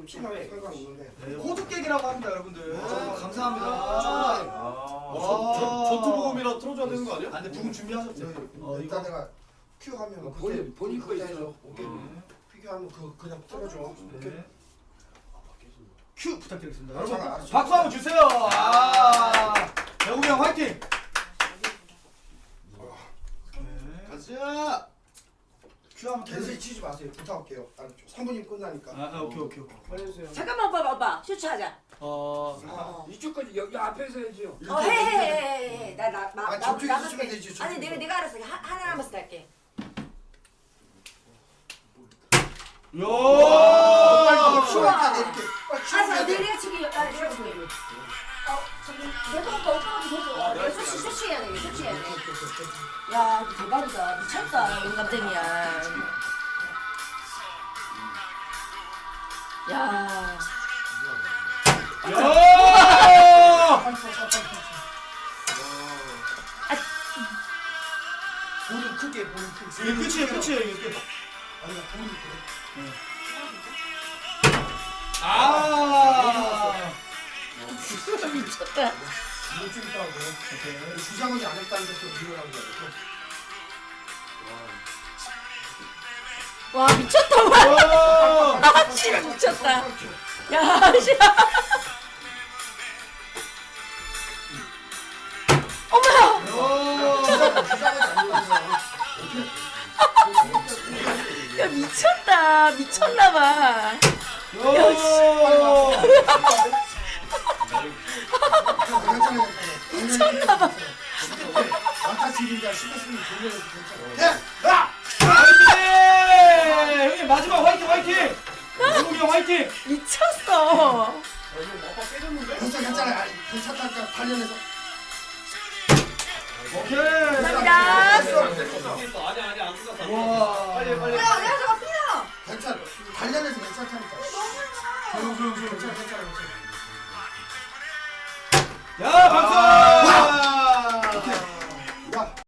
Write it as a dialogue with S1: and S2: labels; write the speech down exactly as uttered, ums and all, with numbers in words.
S1: 좀 심하게 설가 있는데.
S2: 네, 호두 깨기라고 합니다, 여러분들.
S1: 아,
S2: 감사합니다.
S1: 아,
S2: 와.
S3: 전투복음이라 틀어줘야 되는 거 아니야?
S2: 아, 근데 부금 준비하셨죠? 어,
S1: 일단
S2: 이거.
S1: 내가 큐 하면
S4: 어, 본인- 본인 거 있어요.
S1: 오케이. 큐 하면 그 그냥 틀어줘. 오케이.
S2: 네. 큐 부탁드리겠습니다.
S1: 알았어,
S2: 여러분,
S1: 알았어.
S2: 박수 한번 주세요. 아, 배우미 형 화이팅. 네.
S3: 가자.
S2: 큐 한번
S1: 캔슬
S2: 캔슬.
S1: 치지 마세요. 부탁할게요. 알았죠? 삼 분이면 끝나니까.
S2: 아, 아, 오케이, 오케이, 오케이.
S3: 빨리 해주세요.
S5: 잠깐만 오빠 오빠 슈츠하자.
S2: 어,
S5: 어.
S4: 이쪽까지 여기 앞에서 해야지요.
S5: 어, 해해해해. 나나나
S1: 아, 저쪽에서 쓰면 되지, 저쪽에.
S5: 아니 내가 내가 알아서 하, 하나 남았을 할게.
S2: 요.
S1: 빨리 큐
S5: 우와.
S1: 할게 이렇게. 빨리 큐
S5: 알았어
S1: 해야 돼.
S5: 내가 치기 아 내가 치기. 어 저기 내가 오빠 오빠도 해줘. 내가 슈츠 슈츠 해야 돼 슈츠 해야 돼. 야 이거 대박이다 미쳤다 영감탱이야. 야.
S2: 야!
S1: 빨리 쳐, 빨리 쳐, 빨리 쳐. 볼은 크게, 볼은 크게.
S2: 이게 끝이에요, 끝이에요, 이게 끝.
S1: 아니, 나 볼이 크게.
S2: 아!
S5: 미쳤다.
S1: 이거 좀 있다고.
S2: 오케이.
S1: 주장하지 않았다는 것도 밀어나는 거야.
S5: 와 미쳤다 와.
S2: 와!
S5: 아 씨발 미쳤다. 야 씨발. 어머야.
S2: 와!
S1: 주장하지 않는 거야.
S5: 야 미쳤다 미쳤나봐.
S2: 야!
S1: 미쳤나봐. 아까 지금이야 시켰으면 돌려서 괜찮아. 야!
S2: 화이팅! 형님 마지막 화이팅 화이팅! 배우미 형 화이팅!
S5: 미쳤어.
S3: 이거 아빠 깨졌는데?
S1: 괜찮아, 괜찮아. 아니, 괜찮다니까 단련해서.
S2: 오케이!
S5: 감사합니다.
S3: 끝났어. 아니 아니 안 끝났어.
S2: 와!
S3: 빨리 빨리.
S5: 야 내가 저거 피나.
S1: 괜찮아. 단련해서 괜찮다니까.
S2: 조용 조용 조용.
S1: 괜찮아, 괜찮아, 괜찮아.
S2: 야 박수!